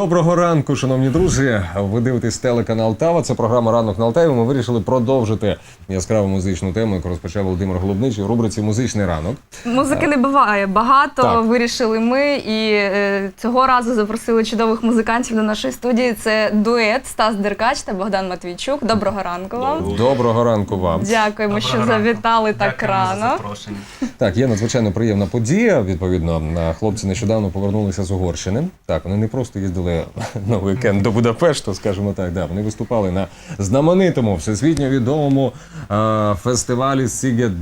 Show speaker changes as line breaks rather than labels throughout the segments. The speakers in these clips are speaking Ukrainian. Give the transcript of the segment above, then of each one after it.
Доброго ранку, шановні друзі. Ви дивитесь телеканал ТАВА. Це програма «Ранок на Алтаєві». Ми вирішили продовжити яскраву музичну тему, яку розпочав Володимир Голубничий у рубриці «Музичний ранок».
Музики не буває багато, так. Вирішили ми. І цього разу запросили чудових музикантів до нашої студії. Це дует Стас Деркач та Богдан Матвійчук. Доброго ранку вам.
Доброго ранку вам.
Дякуємо, що завітали так рано.
Так, є надзвичайно приємна подія. Відповідно, хлопці нещодавно повернулися з Угорщини. Так, вони не просто їздили на уікенд до Будапешту, скажімо так, да, вони виступали на знаменитому, всесвітньо відомому фестивалі Сігет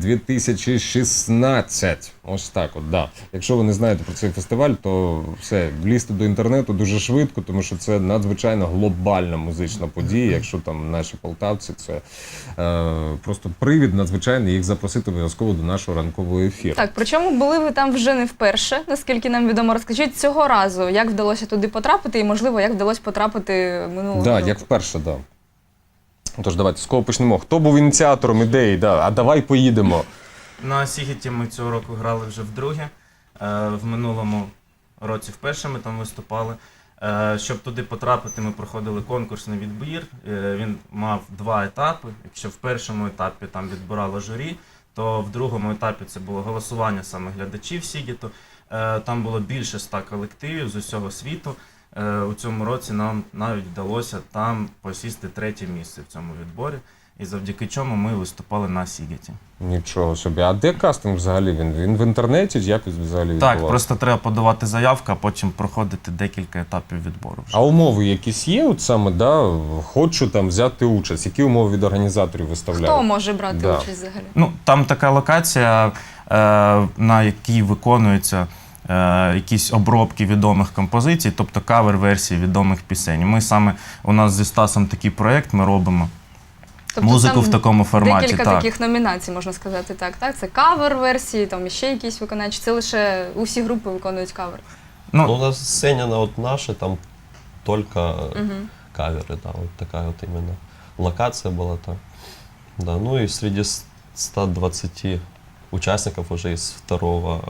2016. Ось так от, да. Якщо ви не знаєте про цей фестиваль, то все, влізти до інтернету дуже швидко, тому що це надзвичайно глобальна музична подія. Якщо там наші полтавці, це просто привід надзвичайний їх запросити обов'язково до нашого ранкового ефіру.
Так, причому були ви там вже не вперше, наскільки нам відомо. Розкажіть цього разу, як вдалося туди потрапити і, можливо, як вдалося потрапити минулого року?
Так, як вперше, так. Да. Тож, давайте, з кого почнемо? Хто був ініціатором ідеї? Да, а давай поїдемо.
На Сігеті ми цього року грали вже вдруге. В минулому році вперше ми там виступали. Щоб туди потрапити, ми проходили конкурсний відбір. Він мав 2 етапи. Якщо в першому етапі там відбирало журі, то в другому етапі це було голосування саме глядачів Сігету. Там було більше 100 колективів з усього світу. У цьому році нам навіть вдалося там посісти 3-є місце в цьому відборі. І завдяки чому ми виступали на Сігеті.
Нічого собі. А де кастинг взагалі? Він в інтернеті? Як взагалі відбувався?
Так, просто треба подавати заявку, а потім проходити декілька етапів відбору.
А умови якісь є? От саме, да, хочу там взяти участь. Які умови від організаторів виставляють?
Хто може брати участь взагалі?
Ну, там така локація, на якій виконуються якісь обробки відомих композицій, тобто кавер-версії відомих пісень. У нас зі Стасом такий проєкт, ми робимо. Тобто музику в такому форматі.
Декілька таких номінацій, можна сказати, так. Це кавер-версії, там ще якісь виконавчі. Це лише усі групи виконують кавер.
Ну, у нас сцена вот наша, там только каверы, да, вот такая вот именно локация была там. Да, ну и среди 120 участников уже из 2-го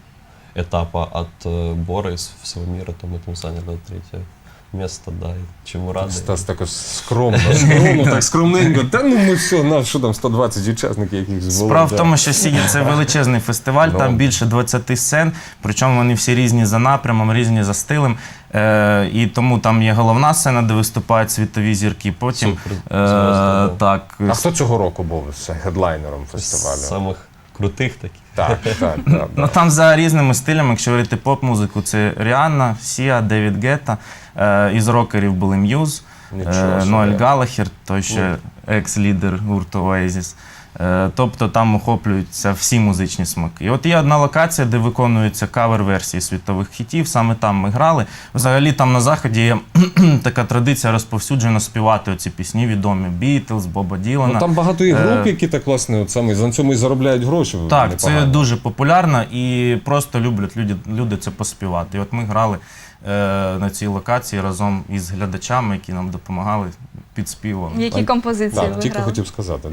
этапа от Бора из всего мира, то мы там заняли 3-е место, да, і чому радий.
Стас так скромно, так скромненько. Та ну ми все, що там 120 учасників якихось було.
Справа в тому, що Сігет – це величезний фестиваль, там більше 20 сцен, причому вони всі різні за напрямом, різні за стилем. І тому там є головна сцена, де виступають світові зірки. Потім, так.
А хто цього року був хедлайнером фестивалю?
З самих крутих таких.
Так.
Ну там за різними стилями, якщо говорити поп-музику, це Ріанна, Сіа, Девід Гетта. Із рокерів були М'юз, Ноель Галлахер, той ще екс-лідер гурту Oasis. Тобто там охоплюються всі музичні смаки. І от є одна локація, де виконуються кавер-версії світових хітів, саме там ми грали. Взагалі там на Заході є така традиція розповсюджено співати оці пісні відомі. Бітлз, Боба Ділана.
Ну там багато і груп, які так, власне, на цьому і заробляють гроші.
Так, це дуже популярно і просто люблять люди це поспівати. І от ми грали на цій локації разом із глядачами, які нам допомагали підспівом.
Які композиції ви грали?
Тільки хотів сказати,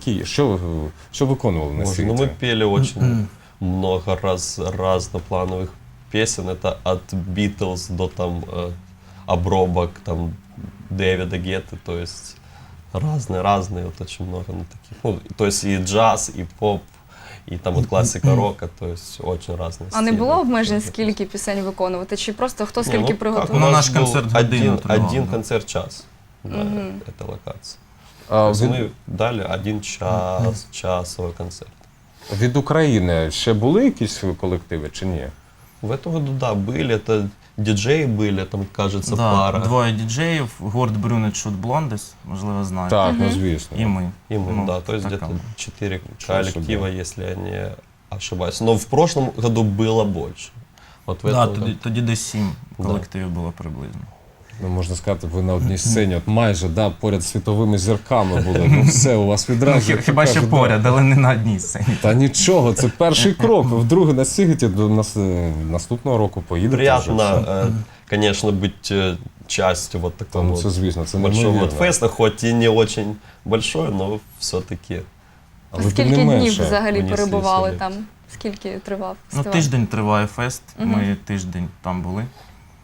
що виконували на світі?
Ну, мы пели очень много разноплановых песен. Это от Beatles до там обробок там Дэвида Гетты, то есть разные, вот очень много таких. Ну, то есть и джаз, и поп, і там от класика рока, то есть очень разные.
А не було обмежень, скільки пісень виконувати? Чи просто хто скільки приготував?
Ну, наш концерт
один концерт час. Да, это локация. Мы дали 1 час, часовий концерт.
Від України ще були якісь колективи чи ні?
В этом году, да, были. Это диджеи были, там, кажется, пара.
2 діджеїв, гурт Брюнет Шут Блондес, можливо, знаєте.
Так, ну звісно.
І ми.
Да, то есть где-то 4 коллектива, если я не ошибаюсь. Но в прошлом году было больше. Вот в этом
тоді десь 7 колективів було приблизно.
Ну, можна сказати, ви на одній сцені, от майже, поряд з світовими зірками були. Ну все, у вас відразу.
Хіба що поряд, але не на одній сцені.
Та нічого, це перший крок. Вдруге на Сігеті до наступного року поїдете.
Приятно, конечно, быть частью вот такого большого феста, хоть и не очень большой, но все-таки.
Скільки днів взагалі перебували там? Скільки тривав фестиваль?
Тиждень триває фест, ми тиждень там були.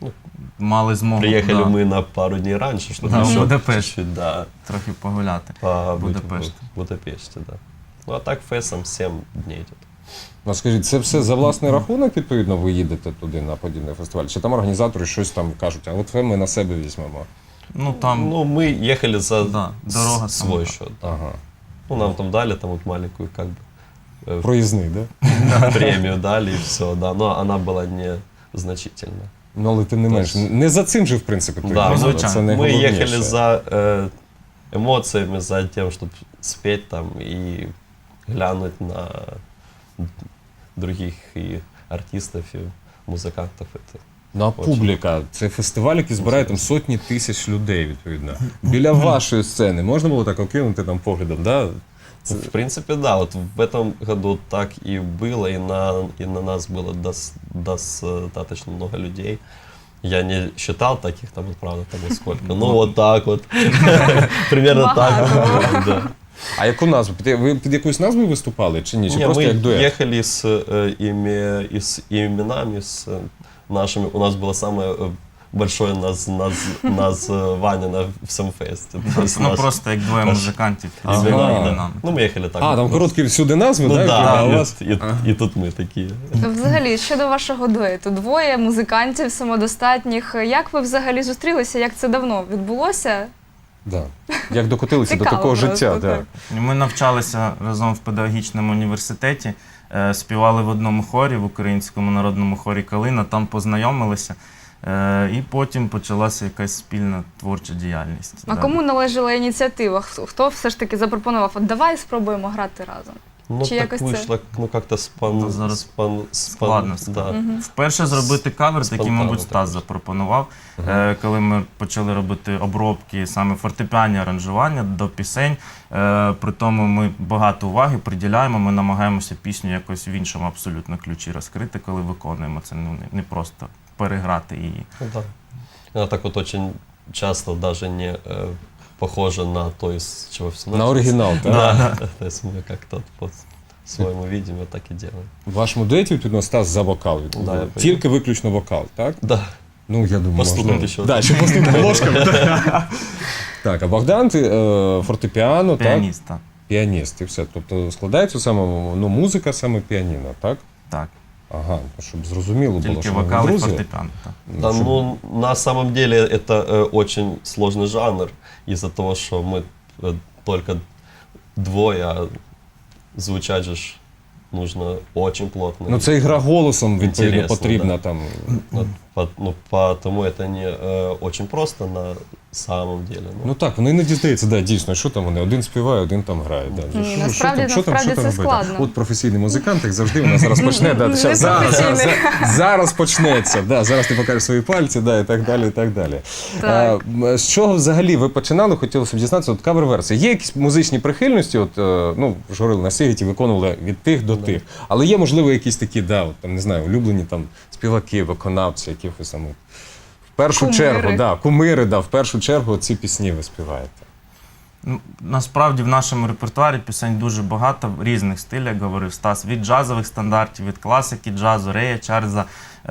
мали змогу
Приехали мы на пару дней раньше, чтобы
Да, в
еще
Будапешт.
чуть-чуть, да,
трохи погуляти.
побыть
Будапешт.
в Будапеште, да. Ну а так фестом 7 дней идет.
Ну, скажіть, це все за власний рахунок, відповідно, ви їдете туди на подібний фестиваль? Чи там організатори щось там кажуть, а от це ми на себе візьмемо?
Ну там
Ну, мы ехали за
Да, дорога
свой
сама.
счет.
Ага.
Ну, нам там дали там вот маленькую как бы
Проїзний, да?
премию дали и все, да, но она была незначительна.
Ну, але тим не менш, не за цим же, в принципі, ти
Да,
їздила,
звичайно.
це
Мы
найголовніше.
ехали за эмоциями, за тем, чтобы спеть там и глянуть на других и артистов, и музыкантов. Это.
Ну, а публіка, це фестиваль, який збирає там сотні тисяч людей, відповідно. Біля вашої сцени можна було так окинути там поглядом, да?
В принципе, да, вот в этом году так и было, и на нас было достаточно много людей. Я не считал таких, там, вот, правда, там вот сколько, ну вот так вот, примерно так. Да.
А яку назву? Ви під якоюсь назвою виступали чи ні? Чи
Не,
просто
мы
як дует?
ехали с именами, с нашими. У нас было самое большое название на всем фесте. То есть
ну
наш-
просто як двоє музикантів
Ага.
з
Да.
іменами.
Ну, мы ехали так.
А, там короткі всюди назви,
Ну
да?
да,
а у
и-
вас...
и тут мы такие.
Взагалі, щодо вашого дуету, двоє музикантів самодостатніх. Як ви взагалі зустрілися? Як це давно відбулося?
Да. Як докотилися до
Цікаво
такого
просто,
життя, да.
так.
Ми навчалися разом в педагогічному університеті, співали в одному хорі, в Українському народному хорі «Калина», там познайомилися, і потім почалася якась спільна творча діяльність.
А
Да.
кому належала ініціатива? Хто все ж таки запропонував? От давай спробуємо грати разом.
Ну,
Чи
так
якось це?
вышло, ну, как-то
Ну, зараз складно
да.
Вперше зробити кавер, такий,
Спонтанно
мабуть,
так
Стас
вийшло.
запропонував, коли ми почали робити обробки, саме фортепіанні аранжування до пісень. При тому ми багато уваги приділяємо, ми намагаємося пісню якось в іншому абсолютно ключі розкрити, коли виконуємо. Це не просто переграти її.
Ну, да. Она так вот очень часто даже не похожа на то, из чего все
На оригінал, так?
Да. То есть мы как-то по-своему видим и так и делаем.
В вашому дуеті, відповідно, Стас за вокал.
Да, я
Тільки виключно вокал, так?
Да.
Ну, я думаю,
Постукнути
можна...
ще.
Да, ще постукнути ложками. Так, а Богдан, ти фортепіано, так?
Піаніст, так.
Піаніст, і все. Тобто складається саме, ну, музика саме піаніно, так?
Так,
Ага, щоб зрозуміло було,
тільки
що ми
вокал і
друзі.
фортепіано. Так.
Да,
щоб-
ну, на самом деле это очень сложный жанр из-за того, что мы только двое, а звучать же ж нужно очень плотно.
Ну, це і гра голосом, відповідно,
Інтересно,
потрібна
да.
там.
Ну, потому это не очень просто на самом деле.
Ну так, воно іноді здається, да, дійсно, що там вони, один співає, один там грає. Да.
Ні, насправді це
робити?
складно.
От професійний музикант, як завжди, вона зараз почне. Да,
Не
щас, зараз,
професійний.
зараз почнеться. Да, зараз ти покажеш свої пальці, да, і так далі, і так далі.
Так.
З чого взагалі ви починали, хотілося б дізнатися, от кавер-версії. Є якісь музичні прихильності, от, ну, ж говорили, на Сігіті виконували від тих до тих. Але є, можливо, якісь такі, да, от, там, не знаю, улюблені там співаки, виконавці, якихось там. В першу
Кумири.
чергу, да, кумири, да, в першу чергу ці пісні ви співаєте.
Ну, насправді в нашому репертуарі пісень дуже багато в різних стилях, як говорив Стас, від джазових стандартів, від класики джазу, Рея Чарльза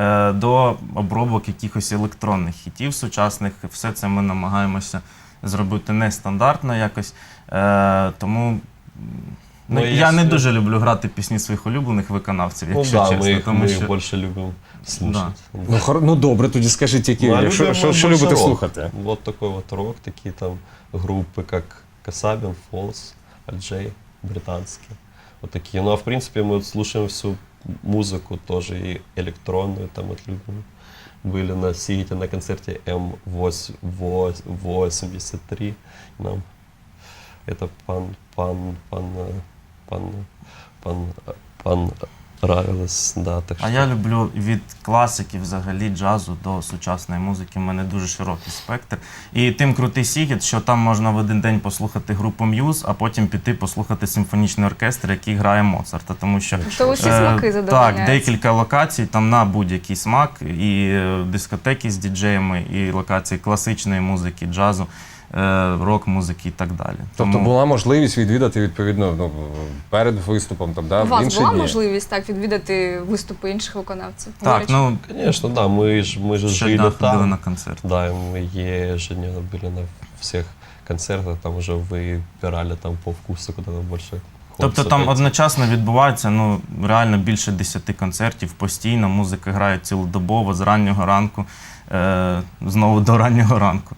до обробок якихось електронних хітів сучасних. Все це ми намагаємося зробити нестандартно якось. Тому
Ну,
я
якщо-
не дуже люблю грати пісні своїх улюблених виконавців,
Ну
якщо
да,
чесно.
мы,
Тому
мы
що
их больше любим слушать.
Ну, ну добре, тоді скажіть, які,
Ну, а
що,
любим
що,
мы
що
больше
любите
рок.
слухати?
Вот такой вот рок, такие там группы, как Касабин, Фолс, Аджей, британские. Вот такие. Ну а в принципе мы вот слушаем всю музыку тоже, и электронную там вот любим. Были на Сигите на концерте М83. Нам это понравилось, да. Так
А я люблю від класики, взагалі, джазу до сучасної музики. У мене дуже широкий спектр. І тим крутий Сігіт, що там можна в один день послухати групу М'юз, а потім піти послухати симфонічний оркестр, який грає Моцарта. Тому що
То усі смаки задовольняють.
так, декілька локацій там на будь-який смак, і дискотеки з діджеями, і локації класичної музики, джазу. рок-музики і так далі.
Тобто була можливість відвідати, відповідно, ну, перед виступом, там, да,
У
в
вас
інші
була
дні?
можливість так відвідати виступи інших виконавців? До
Так,
речі.
ну,
Конечно, да, мы же
щодня
жили
ходили
там.
на концерт.
Да, и мы ежедневно были на всех концертах, там уже выбирали там по вкусу, куда больше
Тобто
хочется
там
пойти.
одночасно відбувається ну, реально більше 10 концертів постійно, музика грає цілодобово, з раннього ранку, знову до раннього ранку.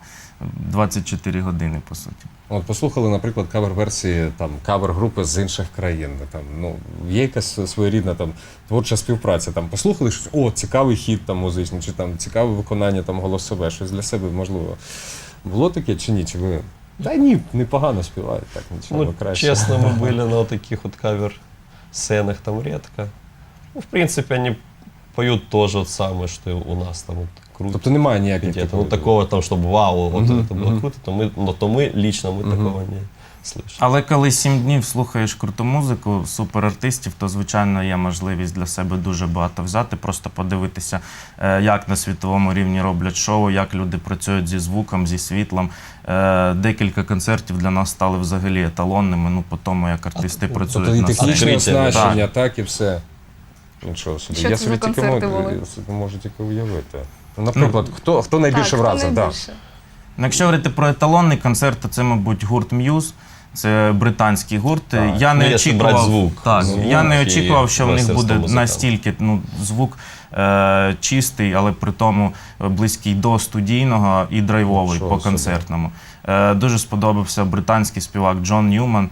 24 години, по суті.
От послухали, наприклад, кавер-версії там кавер-групи з інших країн. Там, ну, є якась своєрідна там творча співпраця. Там послухали щось, о, цікавий хіт там музичний, чи там цікаве виконання там голосове, щось для себе можливо. Було таке чи ні? Чи ви? Та ні, непогано співають, так нічого
Ну,
краще.
честно, мы были на вот таких вот кавер-сценах там редко. Ну, в принципе, они поют то же самое, что и у нас там вот круто.
Тобто немає ніяких
Где-то. Ну, такого там, чтобы вау, вот
Мгм,
это было
мгм.
круто, то мы лично
Мгм.
такого не слышали.
Але коли 7 днів слухаєш круту музику, суперартистів, то, звичайно, є можливість для себе дуже багато взяти, просто подивитися, як на світовому рівні роблять шоу, як люди працюють зі звуком, зі світлом. Декілька концертів для нас стали взагалі еталонними, ну, по тому, як артисти працюють
Тобто і
на сцені.
технічне
Відкриття,
оснащення, так і все. Нічого собі.
Що
Я
це
собі
за
тільки
концерти
можу,
були?
я собі можу тільки уявити. Ну, наприклад, хто найбільше
так,
вразив?
хто
Да.
найбільше?
Ну, якщо говорити про еталонний концерт, то це, мабуть, гурт М'юз. Це британський гурт.
Так.
Я
Ну,
не
якщо
очікував,
брати звук.
так,
Звук
я не
і
очікував, що в них
майстерство
буде
музиканта.
настільки звук чистий, але при тому близький до студійного і драйвовий
Нічого
по
собі.
концертному. Дуже сподобався британський співак Джон Ньюман.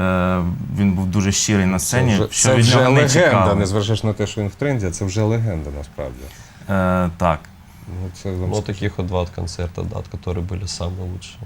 Він був дуже щирий на сцені. що
Це
від
вже
нього не
легенда,
чекали.
незважаючи на те, що він в тренді, це вже легенда насправді.
Так.
Ну, це вам
Вот таких вот два вот концерта, да, которые были самые лучшие.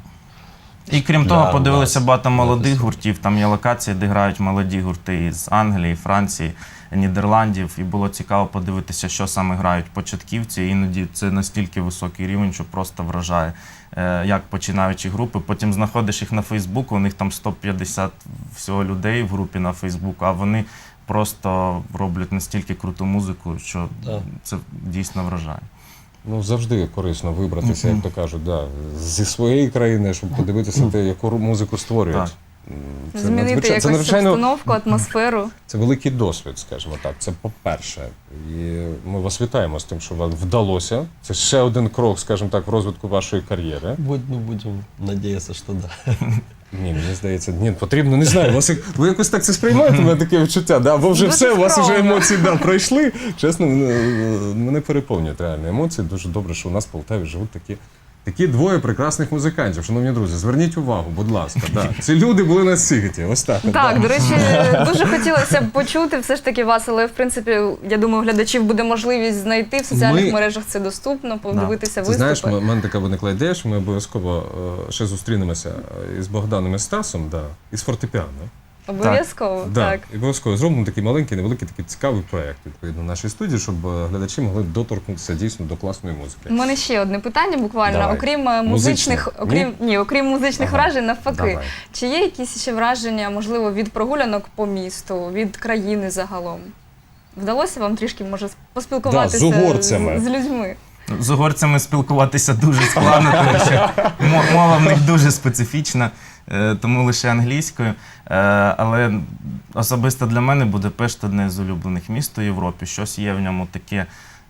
І крім
Для
того, подивилися
нас,
багато
для
молодих
фестивалю.
гуртів. Там є локації, де грають молоді гурти із Англії, Франції, Нідерландів. І було цікаво подивитися, що саме грають початківці. Іноді це настільки високий рівень, що просто вражає, як починаючі групи. Потім знаходиш їх на Фейсбуку, у них там 150 всього людей в групі на Фейсбуку, а вони просто роблять настільки круту музику, що
Да.
це дійсно вражає.
Ну, завжди корисно вибратися, як то кажуть, да, зі своєї країни, щоб подивитися те, яку музику створюють.
Так.
Це
Змінити
надзвичай-
якусь
це надзвичайно
обстановку, атмосферу.
це великий досвід, скажімо так. Це по-перше. І ми вас вітаємо з тим, що вам вдалося. Це ще один крок, скажімо так, в розвитку вашої кар'єри.
Будем надеяться, что да.
Ні, мені здається, ні, потрібно, не знаю, ви якось так це сприймаєте, у мене таке відчуття, да? Бо вже
Дуже
все, у вас вже
скромно.
емоції пройшли. Чесно, мене переповнюють реально емоції. Дуже добре, що у нас в Полтаві живуть такі двоє прекрасних музикантів. Шановні друзі, зверніть увагу, будь ласка. Да. Ці люди були на світі. Ось так. от,
Так,
да.
до речі, дуже хотілося б почути все ж таки вас, але в принципі, я думаю, у глядачів буде можливість знайти в соціальних
Ми-
мережах це доступно, подивитися
Ти
виступи.
знаєш, в мене така виникла ідея, що ми обов'язково ще зустрінемося із Богданом і Стасом, да, із фортепіано.
Обов'язково,
Да,
так.
і обов'язково зробимо такий маленький, невеликий, такий цікавий проєкт відповідно в нашій студії, щоб глядачі могли доторкнутися дійсно до класної музики.
У мене ще одне питання буквально.
Давай.
Окрім
Музичне?
окрім музичних
Ага.
вражень, навпаки.
Давай.
Чи є якісь ще враження, можливо, від прогулянок по місту, від країни загалом? Вдалося вам трішки, може, поспілкуватися
з угорцями.
з людьми?
З угорцями спілкуватися дуже складно, тому що мова в них дуже специфічна, тому лише англійською. Але особисто для мене Будапешт – одне з улюблених міст у Європі. Щось є в ньому таке,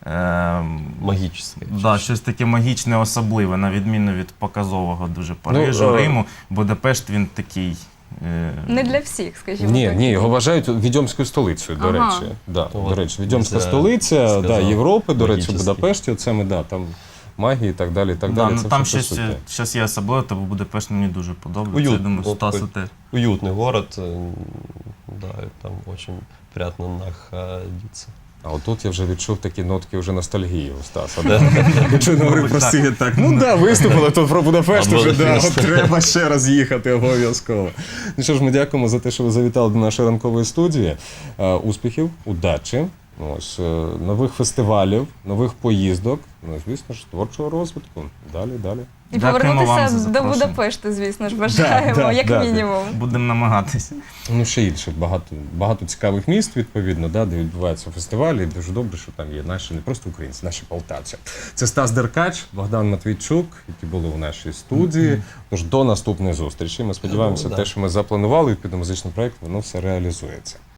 Магическое.
да, щось таке магічне, особливе, на відміну від показового дуже Парижу,
Ну,
Риму. Будапешт він такий.
Не для всіх, скажімо
Ні,
так.
ні, його вважають відьомською столицею, до
Ага.
речі. Да,
От,
до речі, відьомська
нельзя
столиця да,
сказав,
Європи, до речі, в
магічний.
Будапешті, оце ми, да, там магії і так далі, і так
Да,
далі.
ну,
Це
там
все
щось,
присутнє.
щось є особливе, тому Будапешт мені дуже подобається.
Уют.
Я думаю,
Вот
Стасу
такой.
теж.
Уютный город, да, и там очень приятно находиться.
А отут я вже відчув такі нотки вже ностальгії у Стаса. Да? Якщо не говорив про стиль, так, ну да, виступили тут про Будапешт,
А
вже да,
Будапешт.
от треба ще раз їхати обов'язково. Ну що ж, ми дякуємо за те, що ви завітали до нашої ранкової студії. Успіхів, удачі. Ось, нових фестивалів, нових поїздок, ну, і, звісно ж, творчого розвитку. Далі, далі.
І
Дякуємо вам за
повернутися до
запрошення.
Будапешту, звісно ж, бажаємо, як
да.
мінімум.
Будемо намагатися.
Ну, ще інше, багато цікавих міст, відповідно, да, де відбуваються фестивалі. І дуже добре, що там є наші, не просто українці, наші полтавці. Це Стас Деркач, Богдан Матвійчук, які були у нашій студії. Тож до наступної зустрічі. Ми сподіваємося,
Да.
те, що ми запланували, відповідно музичний проєкт, воно все реалізується.